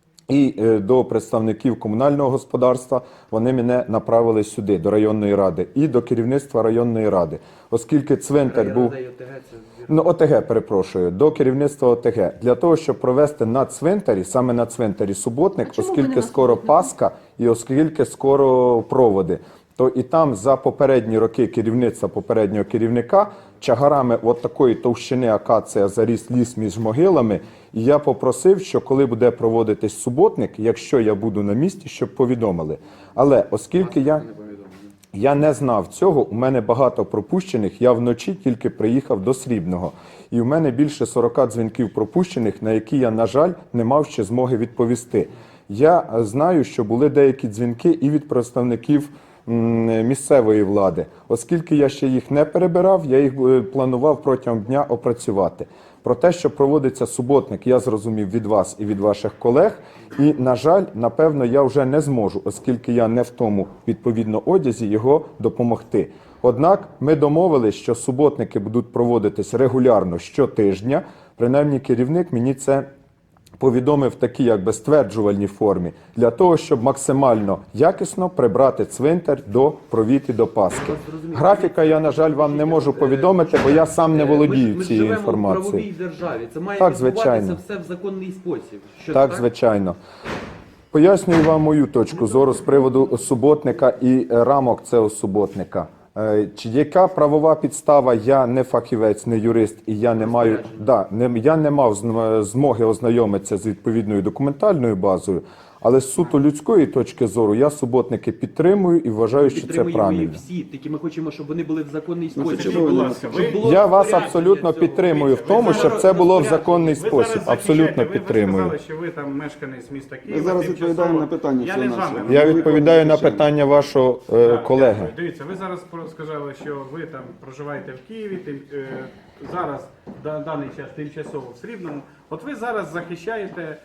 Speaker 1: і е, до представників комунального господарства. Вони мене направили сюди, до районної ради, і до керівництва районної ради, оскільки цвинтар був... Ну, ОТГ, перепрошую, до керівництва ОТГ. Для того, щоб провести на цвинтарі, саме на цвинтарі суботник,
Speaker 3: А чому ви не
Speaker 1: оскільки
Speaker 3: на
Speaker 1: скоро
Speaker 3: суботнику?
Speaker 1: Пасха і оскільки скоро проводи, то і там за попередні роки керівництва попереднього керівника чагарами от такої товщини акація заріс ліс між могилами. І я попросив, що коли буде проводитись суботник, якщо я буду на місці, щоб повідомили. Але оскільки я... Я не знав цього, у мене багато пропущених, я вночі тільки приїхав до Срібного. І у мене більше сорока дзвінків пропущених, на які я, на жаль, не мав ще змоги відповісти. Я знаю, що були деякі дзвінки і від представників м, місцевої влади. Оскільки я ще їх не перебирав, я їх е, планував протягом дня опрацювати. Про те, що проводиться суботник, я зрозумів від вас і від ваших колег. І, на жаль, напевно, я вже не зможу, оскільки я не в тому, відповідно, одязі, його допомогти. Однак ми домовились, що суботники будуть проводитись регулярно щотижня. Принаймні, керівник мені це повідомив в такій якби стверджувальній формі, для того, щоб максимально якісно прибрати цвинтар до провід і до Пасхи. Графіка я, на жаль, вам не можу повідомити, бо я сам не володію
Speaker 9: ми,
Speaker 1: цією
Speaker 9: ми живемо в правовій
Speaker 1: інформацією.
Speaker 9: державі. Це має
Speaker 1: Так,
Speaker 9: відбуватися
Speaker 1: звичайно.
Speaker 9: все в законний спосіб. Що
Speaker 1: Так, звичайно. Пояснюю вам мою точку зору з приводу суботника і рамок цього суботника. Е, Чи яка правова підстава? Я не фахівець, не юрист, і я не маю да, не, я не мав зм- змоги ознайомитися з відповідною документальною базою, але з суто людської точки зору я суботники підтримую і вважаю, що це
Speaker 9: підтримуємо
Speaker 1: правильно.
Speaker 9: їх всі, тільки ми хочемо, щоб вони були в законний спосіб.
Speaker 2: чому
Speaker 9: Щоб
Speaker 2: ви
Speaker 9: було-
Speaker 2: не
Speaker 4: ласка,
Speaker 9: щоб
Speaker 4: ви-
Speaker 9: було
Speaker 1: Я вас
Speaker 9: розпорядження
Speaker 1: абсолютно
Speaker 9: цього.
Speaker 1: підтримую в тому,
Speaker 4: Ви
Speaker 1: щоб
Speaker 4: зараз
Speaker 1: це було в
Speaker 4: розпорядження.
Speaker 1: законний
Speaker 4: Ви зараз
Speaker 1: спосіб.
Speaker 4: захищаєте,
Speaker 1: Абсолютно
Speaker 4: ви-
Speaker 1: підтримую.
Speaker 4: Ви сказали, що ви там мешканець міста Києва.
Speaker 2: Ми зараз
Speaker 4: тимчасово.
Speaker 2: відповідаємо на питання
Speaker 4: Я не з
Speaker 2: всього
Speaker 4: вами.
Speaker 2: нашого.
Speaker 1: Я відповідаю на питання вашого е,
Speaker 4: Так,
Speaker 1: колеги.
Speaker 4: дякую. Дивіться, ви зараз про- сказали, що ви там проживаєте в Києві, тим, е, зараз на даний час тимчасово в Срібному. От ви зараз захищаєте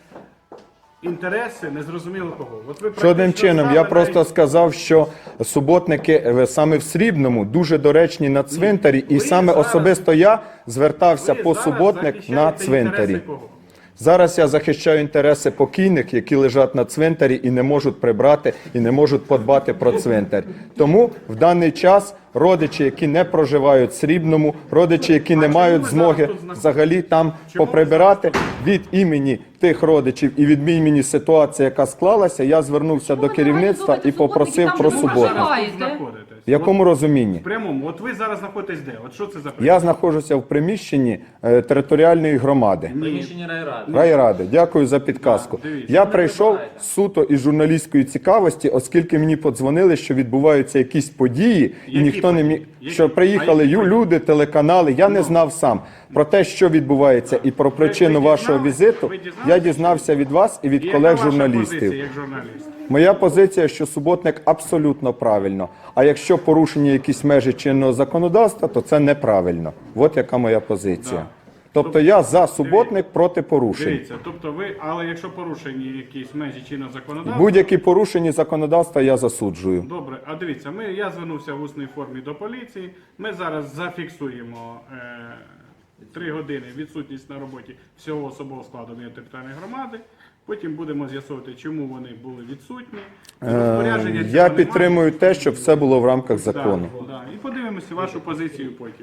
Speaker 4: інтереси незрозуміло кого. От ви
Speaker 1: Жодним
Speaker 4: практично
Speaker 1: чином, я
Speaker 4: саме
Speaker 1: просто
Speaker 4: навіть-
Speaker 1: сказав, що суботники е, саме в Срібному дуже доречні на цвинтарі, і
Speaker 4: ви
Speaker 1: саме
Speaker 4: зараз-
Speaker 1: особисто я звертався
Speaker 4: ви
Speaker 1: по
Speaker 4: зараз
Speaker 1: суботник на
Speaker 4: захищаєте
Speaker 1: цвинтарі.
Speaker 4: інтереси кого?
Speaker 1: Зараз я захищаю інтереси покійних, які лежать на цвинтарі і не можуть прибрати, і не можуть подбати про цвинтар. Тому в даний час родичі, які не проживають в Срібному, родичі, які не
Speaker 4: чому
Speaker 1: мають
Speaker 4: ви
Speaker 1: змоги
Speaker 4: зараз тут знаходитесь?
Speaker 1: взагалі там
Speaker 4: Чому ви
Speaker 1: поприбирати, від імені тих родичів і від імені ситуації, яка склалася, я звернувся до керівництва і попросив про
Speaker 3: Чому ви
Speaker 1: суботник.
Speaker 3: проживаєте?
Speaker 4: Знаходитесь.
Speaker 1: В якому розумінні?
Speaker 4: В прямому. От ви зараз знаходитесь де? От що це за
Speaker 1: Я
Speaker 4: приміщення?
Speaker 1: знаходжуся в приміщенні е, територіальної громади.
Speaker 7: Приміщення райради.
Speaker 1: Райради, дякую за підказку.
Speaker 4: Да, дивіться.
Speaker 1: Я
Speaker 7: Не
Speaker 1: прийшов
Speaker 7: перебивайте.
Speaker 1: суто із журналістської цікавості, оскільки мені подзвонили, що відбуваються якісь події, і
Speaker 4: Які
Speaker 1: ніхто не міг.
Speaker 4: події? Які?
Speaker 1: Що приїхали
Speaker 4: А які
Speaker 1: ю-
Speaker 4: події?
Speaker 1: люди, телеканали. Я не знав сам про те, що відбувається, і про причину
Speaker 4: ви
Speaker 1: вашого
Speaker 4: дізнались?
Speaker 1: візиту.
Speaker 4: Ви дізнались?
Speaker 1: Я дізнався від вас і від
Speaker 4: І яка
Speaker 1: колег
Speaker 4: ваша
Speaker 1: журналістів.
Speaker 4: позиція як журналіст?
Speaker 1: Моя позиція, що суботник абсолютно правильно. А якщо порушені якісь межі чинного законодавства, то це неправильно. От яка моя позиція.
Speaker 4: Да.
Speaker 1: Тобто я за суботник проти порушень.
Speaker 4: Дивіться, тобто ви, але якщо порушені якісь межі чинного законодавства,
Speaker 1: Будь-які порушені законодавства я засуджую.
Speaker 4: добре, а дивіться, ми, я звернувся в усній формі до поліції, ми зараз зафіксуємо е, три години відсутність на роботі всього особового складу територіальної громади, потім будемо з'ясовувати, чому вони були відсутні. Розпорядження
Speaker 1: Е,
Speaker 4: цього
Speaker 1: Я
Speaker 4: немає.
Speaker 1: підтримую те, щоб все було в рамках закону.
Speaker 4: Да, да. І подивимося вашу позицію потім.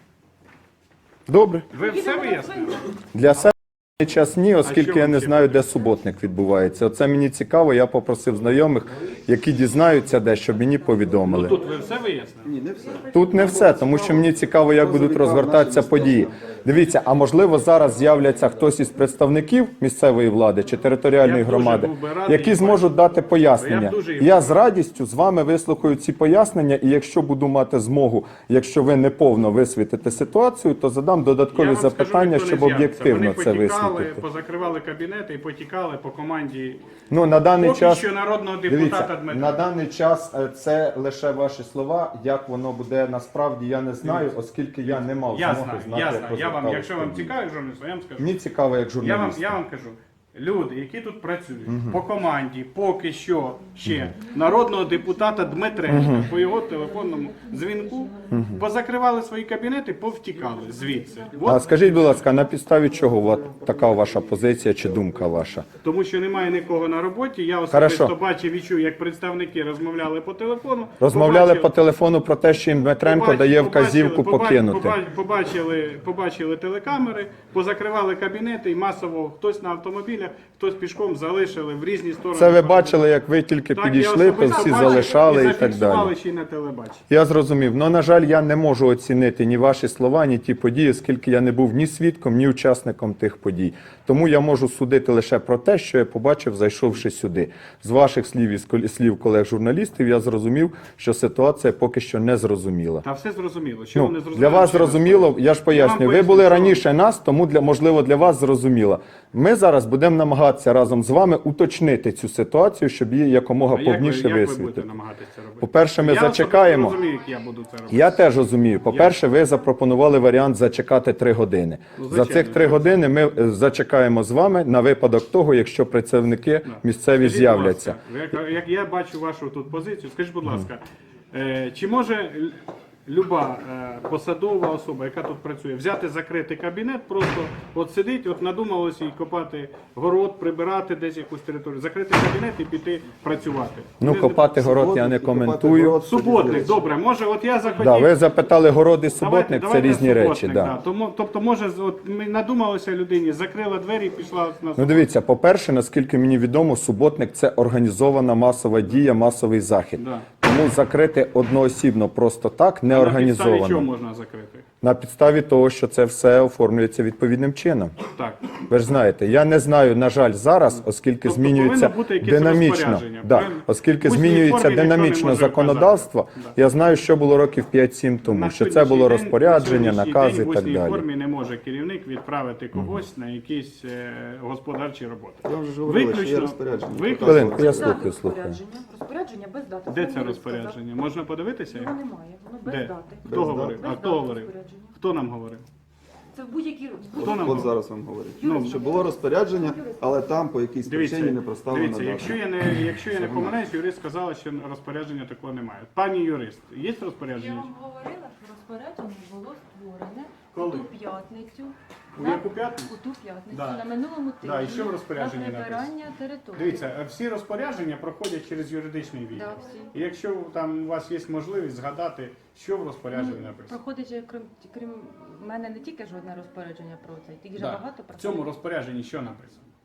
Speaker 1: Добре.
Speaker 4: Ви все вияснили?
Speaker 1: Для себе на час ні, оскільки
Speaker 4: що
Speaker 1: я
Speaker 4: вам
Speaker 1: не
Speaker 4: ще
Speaker 1: знаю, де суботник відбувається. Оце мені цікаво, я попросив знайомих, які дізнаються де, щоб мені повідомили.
Speaker 4: Тут ви все вияснили?
Speaker 2: Ні, не все.
Speaker 1: Тут не все, тому що мені цікаво, як будуть розгортатися події. Дивіться, а можливо зараз з'являться хтось із представників місцевої влади чи територіальної
Speaker 4: Я б дуже
Speaker 1: громади,
Speaker 4: був би радий
Speaker 1: які
Speaker 4: і
Speaker 1: зможуть дати пояснення.
Speaker 4: Я б дуже і
Speaker 1: Я з радістю з вами вислухаю ці пояснення, і якщо буду мати змогу, якщо ви не повно висвітите ситуацію, то задам додаткові
Speaker 4: Я вам скажу,
Speaker 1: запитання,
Speaker 4: ніхто не
Speaker 1: щоб
Speaker 4: з'явиться.
Speaker 1: об'єктивно
Speaker 4: Вони
Speaker 1: це
Speaker 4: потікали,
Speaker 1: висвітлити.
Speaker 4: позакривали кабінети і потікали по команді
Speaker 1: Ну на даний
Speaker 4: поки
Speaker 1: час
Speaker 4: що народного депутата
Speaker 1: дивіться,
Speaker 4: Дмитра.
Speaker 1: на даний час е, це лише ваші слова. Як воно буде насправді, я не знаю, оскільки я не мав
Speaker 4: Я
Speaker 1: змоги
Speaker 4: знаю,
Speaker 1: знати,
Speaker 4: я
Speaker 1: як
Speaker 4: знаю. Я вам,
Speaker 1: розвивалися
Speaker 4: якщо вам
Speaker 1: події.
Speaker 4: цікаво, журналіст, я вам скажу.
Speaker 1: Мені цікаво, як
Speaker 4: Я вам,
Speaker 1: журналіст.
Speaker 4: я вам кажу, люди, які тут працюють по команді, поки що ще народного депутата Дмитренка по його телефонному дзвінку, позакривали свої кабінети, повтікали звідси.
Speaker 1: А
Speaker 4: От,
Speaker 1: скажіть, будь ласка, на підставі чого от така ваша позиція чи думка ваша?
Speaker 4: тому що немає нікого на роботі. Я
Speaker 1: Хорошо.
Speaker 4: особисто бачив і чув, як представники розмовляли по телефону.
Speaker 1: Розмовляли
Speaker 4: Побачив-
Speaker 1: по телефону про те, що їм Дмитренко
Speaker 4: Побачили-
Speaker 1: дає вказівку
Speaker 4: побачили-
Speaker 1: покинути.
Speaker 4: побачили- Побачили, побачили телекамери, позакривали кабінети і масово хтось на автомобілях, хтось пішком залишили в різні сторони.
Speaker 1: Це ви бачили, як ви тільки
Speaker 4: Так, я
Speaker 1: підійшли, то
Speaker 4: особисто
Speaker 1: всі
Speaker 4: бачив
Speaker 1: залишали і так
Speaker 4: зафіксували
Speaker 1: далі.
Speaker 4: ще й на телебаченні.
Speaker 1: Я зрозумів. Ну, на жаль, я не можу оцінити ні ваші слова, ні ті події, оскільки я не був ні свідком, ні учасником тих подій. Тому я можу судити лише про те, що я побачив, зайшовши сюди. З ваших слів і з кол- слів колег-журналістів я зрозумів, що ситуація поки що не зрозуміла.
Speaker 4: Та все зрозуміло. Що
Speaker 1: Ну,
Speaker 4: ви не зрозуміли?
Speaker 1: для вас
Speaker 4: ще раз
Speaker 1: зрозуміло,
Speaker 4: кажу.
Speaker 1: я ж поясню, ви
Speaker 4: поясню,
Speaker 1: були
Speaker 4: що-
Speaker 1: раніше нас, тому для можливо для вас зрозуміло. Ми зараз будемо намагатися разом з вами уточнити цю ситуацію, щоб її якомога
Speaker 4: А як ви-
Speaker 1: повніше
Speaker 4: як ви будете
Speaker 1: висвітлити.
Speaker 4: намагатися це робити?
Speaker 1: По-перше, ми
Speaker 4: Я особисто
Speaker 1: зачекаємо.
Speaker 4: розумію, як я буду це робити.
Speaker 1: Я теж розумію. По-перше, ви запропонували варіант зачекати три години. За
Speaker 4: Ну, звичайно,
Speaker 1: цих три години ми е, зачекаємо з вами на випадок того, якщо працівники місцеві
Speaker 4: Скажіть, будь
Speaker 1: з'являться.
Speaker 4: ласка, Як, як я бачу вашу тут позицію, скажіть, будь ласка, е, чи може л- люба е, посадова особа, яка тут працює, взяти закритий кабінет, просто от сидить, от надумалося і копати город, прибирати десь якусь територію, закрити кабінет і піти працювати?
Speaker 1: Ну,
Speaker 4: Ви-
Speaker 1: копати город я не коментую.
Speaker 4: Суботник, добре, може, от я захотів.
Speaker 1: Да, ви запитали город і
Speaker 4: Давайте-
Speaker 1: суботник, це
Speaker 4: давайте
Speaker 1: різні
Speaker 4: суботник,
Speaker 1: речі.
Speaker 4: да.
Speaker 1: Да.
Speaker 4: Тому, тобто, може, з- от ми надумалося людині, закрила двері і пішла на
Speaker 1: Ну дивіться, по-перше, наскільки мені відомо, суботник це організована масова дія, масовий захід.
Speaker 4: Да.
Speaker 1: Тому закрити одноосібно просто так не
Speaker 4: На підставі
Speaker 1: організовано.
Speaker 4: чого можна закрити?
Speaker 1: На підставі того, що це все оформлюється відповідним чином.
Speaker 4: Так.
Speaker 1: Ви ж знаєте, я не знаю, на жаль, зараз, оскільки
Speaker 4: Тобто
Speaker 1: змінюється
Speaker 4: повинно бути якесь
Speaker 1: динамічно,
Speaker 4: розпорядження,
Speaker 1: да,
Speaker 4: правильно?
Speaker 1: оскільки
Speaker 4: В усній
Speaker 1: змінюється
Speaker 4: формі ніхто не
Speaker 1: динамічно
Speaker 4: може
Speaker 1: законодавство,
Speaker 4: вказати. Да.
Speaker 1: я знаю, що було років п'ять-сім тому,
Speaker 4: На
Speaker 1: що це
Speaker 4: сьогоднішній
Speaker 1: було
Speaker 4: день-
Speaker 1: розпорядження,
Speaker 4: на сьогоднішній
Speaker 1: накази
Speaker 4: день
Speaker 1: і так
Speaker 4: В усній
Speaker 1: далі.
Speaker 4: формі не може керівник відправити когось на якісь е, господарчі роботи.
Speaker 2: Я вже ж говорила, що є розпорядження.
Speaker 4: виключно-
Speaker 1: Хвилинку, я
Speaker 3: Дати
Speaker 1: слухаю, слухаю.
Speaker 3: розпорядження. Розпорядження без дати.
Speaker 4: Де
Speaker 3: Це
Speaker 4: це
Speaker 3: мені
Speaker 4: розпорядження?
Speaker 3: сказав.
Speaker 4: Можна подивитися?
Speaker 3: Його немає, воно без
Speaker 4: Де?
Speaker 3: дати.
Speaker 4: Хто
Speaker 2: Без
Speaker 4: говорив?
Speaker 3: дати.
Speaker 4: А
Speaker 3: Без
Speaker 4: хто
Speaker 3: дати
Speaker 4: говорив?
Speaker 3: розпорядження.
Speaker 4: Хто нам говорив?
Speaker 3: Це в будь-якій
Speaker 4: Хто нам
Speaker 2: От
Speaker 4: говорив?
Speaker 2: зараз вам говорю.
Speaker 4: Ну,
Speaker 2: Що було розпорядження, але там по якійсь
Speaker 4: Дивіться,
Speaker 2: причині не проставлена
Speaker 4: дивіться,
Speaker 2: дата.
Speaker 4: якщо я не якщо я не помиляюсь, юрист сказала, що розпорядження такого немає. Пані юрист, є
Speaker 6: Я
Speaker 4: розпорядження?
Speaker 6: вам говорила, що розпорядження було створене
Speaker 4: Коли?
Speaker 6: у ту п'ятницю.
Speaker 4: У
Speaker 6: на-
Speaker 4: яку п'ятницю?
Speaker 6: У ту п'ятницю
Speaker 4: Да.
Speaker 6: на минулому
Speaker 4: Да,
Speaker 6: тижні
Speaker 4: і що в розпорядженні
Speaker 6: на прибирання території.
Speaker 4: Дивіться, всі розпорядження проходять через юридичний відділ.
Speaker 6: Да, всі.
Speaker 4: І якщо там у вас є можливість згадати, що в розпорядженні
Speaker 6: Ну,
Speaker 4: написано.
Speaker 6: проходить, же, крім, крім мене, не тільки жодне розпорядження про це, тільки
Speaker 4: Да.
Speaker 6: вже багато
Speaker 4: В цьому
Speaker 6: проходить.
Speaker 4: розпорядженні що написано?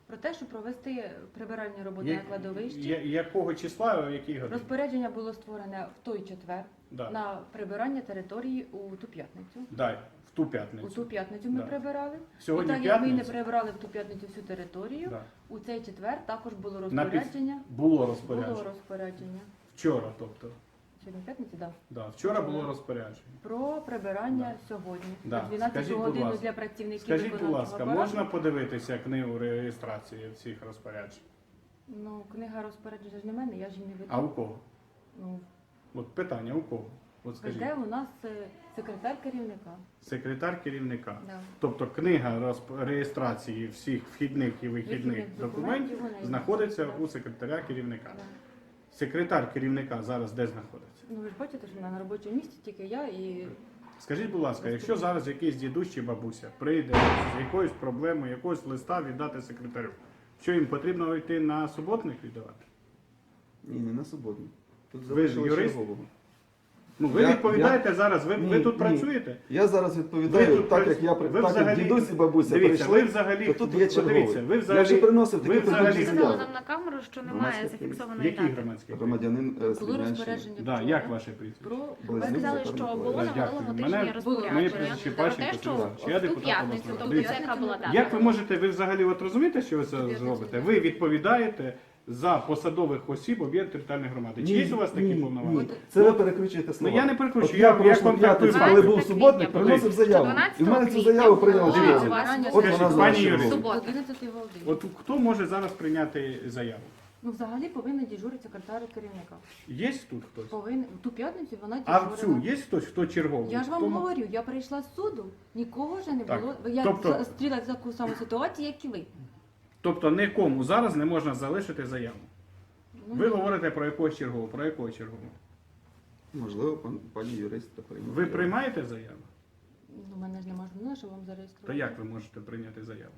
Speaker 6: Про те, щоб провести прибиральні роботи
Speaker 4: Я-
Speaker 6: на кладовищі.
Speaker 4: я- якого числа, який годин?
Speaker 6: Розпорядження було створене в той четвер
Speaker 4: Да.
Speaker 6: на прибирання території у ту п'ятницю.
Speaker 4: Дай, в ту
Speaker 6: У
Speaker 4: п'ятницю.
Speaker 6: ту п'ятницю ми
Speaker 4: Да.
Speaker 6: прибирали.
Speaker 4: Сьогодні
Speaker 6: і так як ми не
Speaker 4: п'ятниця?
Speaker 6: прибирали в ту п'ятницю всю територію,
Speaker 4: Да.
Speaker 6: у цей четвер також було
Speaker 4: На під-
Speaker 6: розпорядження.
Speaker 4: Було розпорядження.
Speaker 6: Було розпорядження.
Speaker 4: Вчора, тобто.
Speaker 6: Сьогодні п'ятниця, так.
Speaker 4: Да. Вчора було розпорядження.
Speaker 6: Про прибирання сьогодні.
Speaker 4: Да.
Speaker 6: На дванадцяту
Speaker 4: Скажіть, будь
Speaker 6: годину
Speaker 4: ласка.
Speaker 6: для працівників
Speaker 4: Скажіть, будь
Speaker 6: виконавчого
Speaker 4: ласка,
Speaker 6: апарату.
Speaker 4: можна подивитися книгу реєстрації всіх розпоряджень?
Speaker 6: Ну, книга розпорядження ж не в мене, я ж її не веду.
Speaker 4: А у кого?
Speaker 6: Ну,
Speaker 4: От питання, у кого? От скажіть.
Speaker 6: веде у нас е, секретар керівника.
Speaker 4: Секретар керівника.
Speaker 6: Да.
Speaker 4: Тобто книга розп- реєстрації всіх вхідних і вихідних
Speaker 6: Вихідних
Speaker 4: документів
Speaker 6: документів у неї
Speaker 4: знаходиться
Speaker 6: знаходиться.
Speaker 4: у секретаря керівника.
Speaker 6: Да.
Speaker 4: Секретар керівника зараз де знаходиться?
Speaker 6: Ну ви ж бачите, що вона на робочому місці тільки я і
Speaker 4: Скажіть, будь ласка, якщо зараз якийсь дідусь чи бабуся прийде з якоюсь проблемою, якогось листа віддати секретарю, що їм потрібно йти на суботник віддавати?
Speaker 2: Ні, не на суботу. Тут
Speaker 4: Ви ж
Speaker 2: залишили
Speaker 4: юрист?
Speaker 2: чергового.
Speaker 4: Ну ви
Speaker 2: Я-
Speaker 4: відповідаєте зараз, ви, ви
Speaker 2: Ні,
Speaker 4: тут
Speaker 2: ні.
Speaker 4: працюєте?
Speaker 2: Я зараз відповідаю,
Speaker 4: Ви тут
Speaker 2: так
Speaker 4: прац-
Speaker 2: як я при-
Speaker 4: ви
Speaker 2: так як
Speaker 4: взагалі-
Speaker 2: дідусь і бабуся
Speaker 4: Дивіться,
Speaker 2: прийшли,
Speaker 4: ви взагалі-
Speaker 2: то тут
Speaker 4: ви-
Speaker 2: є черговий.
Speaker 4: дивіться, ви
Speaker 2: Я
Speaker 4: взагалі-
Speaker 2: вже приносив
Speaker 4: ви
Speaker 2: такі
Speaker 4: взагалі-
Speaker 2: подібні
Speaker 6: сказала
Speaker 2: заяви.
Speaker 6: нам на камеру, що немає
Speaker 2: Громадський
Speaker 6: зафіксованої
Speaker 4: Який
Speaker 6: дати.
Speaker 4: громадський?
Speaker 2: Громадянин е,
Speaker 6: Було
Speaker 2: Слів'янщини.
Speaker 6: розпорядження
Speaker 4: Да,
Speaker 6: вчора
Speaker 4: як ваше прізвище?
Speaker 6: про
Speaker 2: Були
Speaker 10: Ви
Speaker 2: зміни
Speaker 10: сказали,
Speaker 2: закону
Speaker 10: що
Speaker 2: про
Speaker 10: було на
Speaker 4: Дякую.
Speaker 10: минулому
Speaker 4: Мене-
Speaker 10: тижні
Speaker 4: моє
Speaker 10: розпорядження
Speaker 4: прізвище
Speaker 10: про те,
Speaker 4: Пащенко,
Speaker 10: що
Speaker 4: Сергій.
Speaker 10: в
Speaker 4: Я
Speaker 10: ту
Speaker 4: депутат
Speaker 10: п'ятницю,
Speaker 4: обласної
Speaker 10: тобто
Speaker 4: ради.
Speaker 10: це яка була дата?
Speaker 4: Як ви можете, ви взагалі от розумієте, що ви це зробите? Ви відповідаєте за посадових осіб об'єднаної територіальної громади. Чи є у вас такі
Speaker 2: ні,
Speaker 4: повноваження?
Speaker 2: ні. Це ви перекручуєте слова.
Speaker 4: Ну, я не перекручую,
Speaker 2: От
Speaker 4: я-
Speaker 2: я
Speaker 4: я
Speaker 2: прошлу
Speaker 4: контактую
Speaker 2: п'ятницю,
Speaker 4: факти.
Speaker 2: коли був суботник, приносив заяву. І в мене цю заяву прийняли
Speaker 10: Дивіться,
Speaker 2: черговий.
Speaker 6: Прибирання
Speaker 2: От
Speaker 4: Скажіть,
Speaker 2: вона
Speaker 4: пані
Speaker 2: зараз
Speaker 4: Юрій,
Speaker 2: черговий.
Speaker 10: Субота.
Speaker 6: одинадцятої години.
Speaker 4: От хто може зараз прийняти заяву?
Speaker 6: Ну, взагалі повинен дежурити секретар керівника.
Speaker 4: Є тут хтось?
Speaker 6: Повинен в ту п'ятницю вона
Speaker 4: А в
Speaker 6: дежурила.
Speaker 4: цю є хтось, хто черговий?
Speaker 6: Я ж вам
Speaker 4: Хто-
Speaker 6: говорю, я прийшла з суду, нікого вже не
Speaker 4: Так,
Speaker 6: було. Я
Speaker 4: тобто-
Speaker 6: зустріла в таку саму ситуацію, як і ви.
Speaker 4: Тобто нікому зараз не можна залишити заяву.
Speaker 6: Ну,
Speaker 4: Ви говорите про якогось чергового, про якого чергового?
Speaker 2: Можливо, пан, пані юрист прийме.
Speaker 4: Ви приймаєте заяву?
Speaker 6: Ну, в мене ж немає журнала, що вам
Speaker 4: То
Speaker 6: зареєструвати.
Speaker 4: як ви можете прийняти заяву?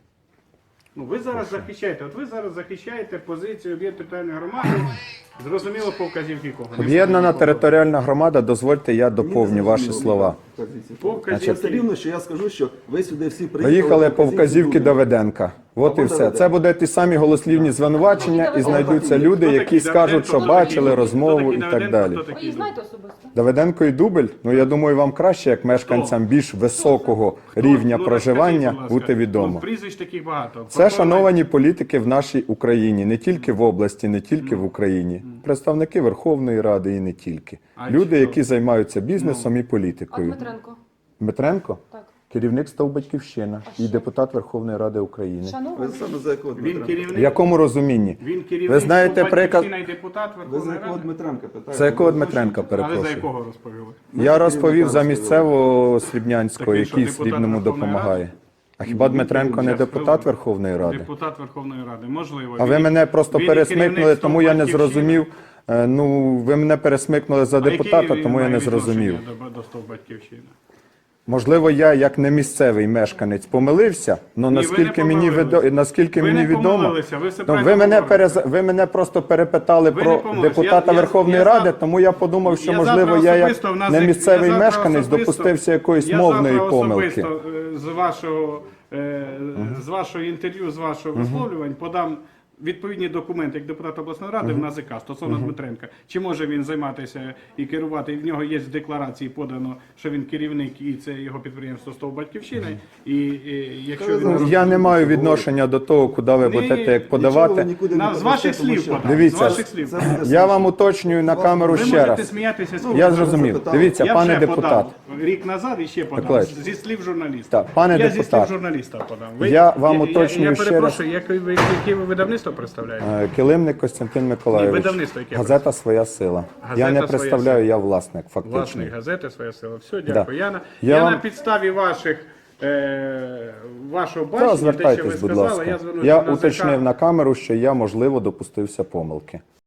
Speaker 4: Ну, ви зараз захищаєте, от ви зараз захищаєте позицію об'єднаної територіальної громади, зрозуміло, по вказівки кого? Не
Speaker 1: Об'єднана
Speaker 4: зрозуміло,
Speaker 1: територіальна громада, дозвольте, я доповню ваші слова.
Speaker 4: По
Speaker 2: Це
Speaker 4: вказівці.
Speaker 2: все рівно, що я скажу, що ви сюди всі приїхали.
Speaker 1: Поїхали по вказівки
Speaker 2: Дубня.
Speaker 1: Давиденка. От і
Speaker 2: Або
Speaker 1: все.
Speaker 2: Давиденка.
Speaker 1: Це будуть ті самі голослівні звинувачення, і знайдуться люди,
Speaker 4: Хто
Speaker 1: які
Speaker 4: такий
Speaker 1: скажуть,
Speaker 4: Давиденко?
Speaker 1: що
Speaker 4: Хто
Speaker 1: бачили
Speaker 4: такий-
Speaker 1: розмову
Speaker 4: хто
Speaker 1: і
Speaker 4: такий
Speaker 1: так
Speaker 4: Давиденко?
Speaker 1: далі.
Speaker 4: Хто
Speaker 6: Ви
Speaker 4: такий
Speaker 6: її знаєте особисто?
Speaker 1: Давиденко і Дубель, ну я думаю, вам краще, як мешканцям більш високого рівня
Speaker 4: Ну,
Speaker 1: проживання,
Speaker 4: розкажіть, будь ласка.
Speaker 1: бути
Speaker 4: Ну,
Speaker 1: відомо.
Speaker 4: прізвищ таких багато.
Speaker 1: Це
Speaker 4: Прокола-
Speaker 1: шановані політики в нашій Україні, не тільки в області, не тільки в Україні. Представники Верховної Ради і не тільки.
Speaker 4: А
Speaker 1: Люди,
Speaker 4: чи-
Speaker 1: які займаються бізнесом і
Speaker 6: А
Speaker 1: політикою.
Speaker 6: Дмитренко?
Speaker 1: Дмитренко
Speaker 6: Так.
Speaker 1: керівник став Батьківщина і депутат Верховної Ради України.
Speaker 2: Ви
Speaker 6: Шановний.
Speaker 2: саме за якого
Speaker 4: Він
Speaker 2: Дмитренка?
Speaker 1: В
Speaker 4: керівник,
Speaker 1: якому розумінні?
Speaker 4: він керівник
Speaker 1: Ви знаєте
Speaker 4: Батьківщина
Speaker 1: приказ-
Speaker 4: і депутат
Speaker 2: Ви за
Speaker 4: Верховної
Speaker 2: якого
Speaker 4: Ради?
Speaker 2: Дмитренка питаєте?
Speaker 1: За якого
Speaker 2: Ви
Speaker 1: Дмитренка,
Speaker 4: А ви за
Speaker 1: перепрошую?
Speaker 4: якого розповіли?
Speaker 1: Я розповів за місцевого Слібнянського,
Speaker 4: Такий, що,
Speaker 1: який
Speaker 4: депутат
Speaker 1: Слібному
Speaker 4: Верховної
Speaker 1: допомагає. А хіба Дмитренко не
Speaker 4: Щас,
Speaker 1: депутат
Speaker 4: хвилину.
Speaker 1: Верховної Ради?
Speaker 4: Депутат Верховної Ради, можливо.
Speaker 1: А ви
Speaker 4: Він-
Speaker 1: мене просто
Speaker 4: він
Speaker 1: пересмикнули,
Speaker 4: керівник
Speaker 1: тому я не
Speaker 4: Батьківщини.
Speaker 1: зрозумів. Е, Ну, ви мене пересмикнули за
Speaker 4: А яке
Speaker 1: депутата,
Speaker 4: він
Speaker 1: тому я
Speaker 4: має
Speaker 1: не зрозумів.
Speaker 4: відношення До, до стов Батьківщини.
Speaker 1: Можливо, я як не місцевий мешканець помилився, але
Speaker 4: Ні,
Speaker 1: наскільки
Speaker 4: ви не
Speaker 1: мені
Speaker 4: помилилися.
Speaker 1: відо... наскільки
Speaker 4: Ви
Speaker 1: мені
Speaker 4: не
Speaker 1: відомо,
Speaker 4: помилилися, ви все
Speaker 1: ну,
Speaker 4: правильно
Speaker 1: ви мене
Speaker 4: говорите.
Speaker 1: перез... ви мене просто перепитали
Speaker 4: Ви не
Speaker 1: про
Speaker 4: помилилися.
Speaker 1: депутата
Speaker 4: Я- я-
Speaker 1: Верховної
Speaker 4: я
Speaker 1: Ради,
Speaker 4: за-
Speaker 1: тому я подумав, що
Speaker 4: Я
Speaker 1: можливо
Speaker 4: завтра
Speaker 1: я як
Speaker 4: особисто в нас
Speaker 1: не
Speaker 4: як-
Speaker 1: місцевий
Speaker 4: я завтра
Speaker 1: мешканець
Speaker 4: особисто-
Speaker 1: допустився якоїсь
Speaker 4: я
Speaker 1: мовної
Speaker 4: завтра
Speaker 1: помилки.
Speaker 4: особисто, е, з вашого е, з вашого інтерв'ю, з вашого висловлювань подам відповідні документи як депутат обласної ради в НАЗК стосовно Дмитренка. Чи може він займатися і керувати? І в нього є в декларації подано, що він керівник і це його підприємство «Стов Батьківщини». І, і якщо він
Speaker 1: Я не маю відношення до того, куди ви
Speaker 4: Ні,
Speaker 1: будете як
Speaker 2: Нічого ви
Speaker 1: подавати.
Speaker 2: нікуди
Speaker 4: на,
Speaker 2: не
Speaker 4: з ваших
Speaker 2: подасте, тому
Speaker 4: слів
Speaker 2: що-
Speaker 4: подам.
Speaker 1: Дивіться,
Speaker 4: з ваших слів.
Speaker 2: Це буде
Speaker 1: Я вам уточнюю на камеру
Speaker 4: Ви
Speaker 1: ще
Speaker 4: можете
Speaker 1: раз.
Speaker 4: сміятися з
Speaker 1: Я
Speaker 4: цього.
Speaker 1: зрозумів.
Speaker 2: запитали.
Speaker 1: Дивіться,
Speaker 4: Я
Speaker 1: пане
Speaker 4: вже
Speaker 1: депутат.
Speaker 4: подав рік назад і ще подав.
Speaker 1: Миколаївич.
Speaker 4: Зі слів журналіста.
Speaker 1: Так, пане
Speaker 4: я зі
Speaker 1: депутат.
Speaker 4: слів журналіста подав.
Speaker 1: Я вам
Speaker 4: я,
Speaker 1: уточнюю
Speaker 4: я,
Speaker 1: ще
Speaker 4: я перепрошую, яке ви, яке ви видавництво представляєте?
Speaker 1: Е, Килимник Костянтин Миколайович.
Speaker 4: Ні, видавництво яке
Speaker 1: Газета «Своя сила».
Speaker 4: Газета
Speaker 1: Я не
Speaker 4: «Своя
Speaker 1: представляю,
Speaker 4: сила».
Speaker 1: я власник, фактично.
Speaker 4: Власної газети «Своя сила». Все, дякую. Я, на,
Speaker 1: Я
Speaker 4: я
Speaker 1: вам-
Speaker 4: на підставі ваших, е, вашого
Speaker 1: Та,
Speaker 4: бачення, те, що ви
Speaker 1: звертайтесь, будь
Speaker 4: сказали,
Speaker 1: ласка.
Speaker 4: я звернуся
Speaker 1: Я
Speaker 4: на
Speaker 1: уточнив
Speaker 4: ЗК.
Speaker 1: на камеру, що я, можливо, допустився помилки.